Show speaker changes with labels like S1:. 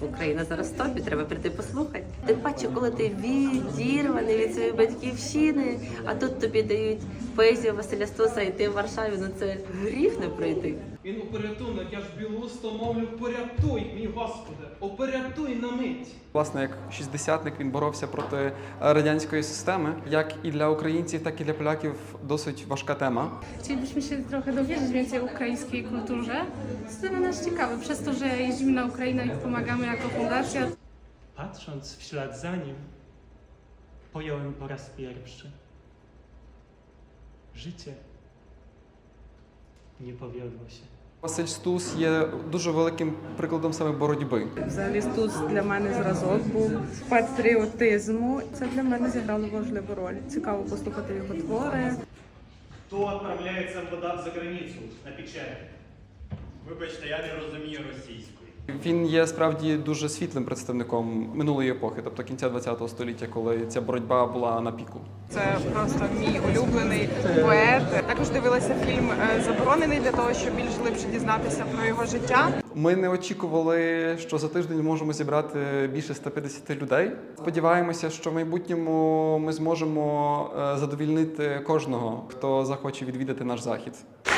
S1: Україна зараз в топі, треба прийти послухати. Тим паче, коли ти відірваний від своєї батьківщини, а тут тобі дають поезію Василя Стуса, і ти в Варшаві, ну це гріх не прийти.
S2: Він у порятунок, я ж білуста мовлю, порятуй, мій Господи, опорятуй на мить.
S3: Власне, як шістдесятник він боровся проти радянської системи. Як і для українців, так і для polakів dosить ważka tema.
S4: Chcielibyśmy się trochę dowiedzieć więcej o ukraińskiej kulturze. Jest to dla nas ciekawe, przez to, że jeździmy na Ukrainę i pomagamy jako fundacja.
S5: Patrząc w ślad za nim, pojąłem po raz pierwszy. Życie nie powiodło się.
S3: Василь Стус є дуже великим прикладом саме боротьби.
S6: Взагалі Стус для мене зразок був патріотизму. Це для мене зіграло важливу роль. Цікаво послухати його твори.
S7: Хто відправляється в за границю на печать? Вибачте, я не розумію російської.
S3: Він є справді дуже світлим представником минулої епохи, тобто кінця ХХ століття, коли ця боротьба була на піку.
S6: Це просто мій улюблений поет. Також дивилася фільм «Заборонений» для того, щоб більш глибше дізнатися про його життя.
S3: Ми не очікували, що за тиждень можемо зібрати більше 150 людей. Сподіваємося, що в майбутньому ми зможемо задовільнити кожного, хто захоче відвідати наш захід.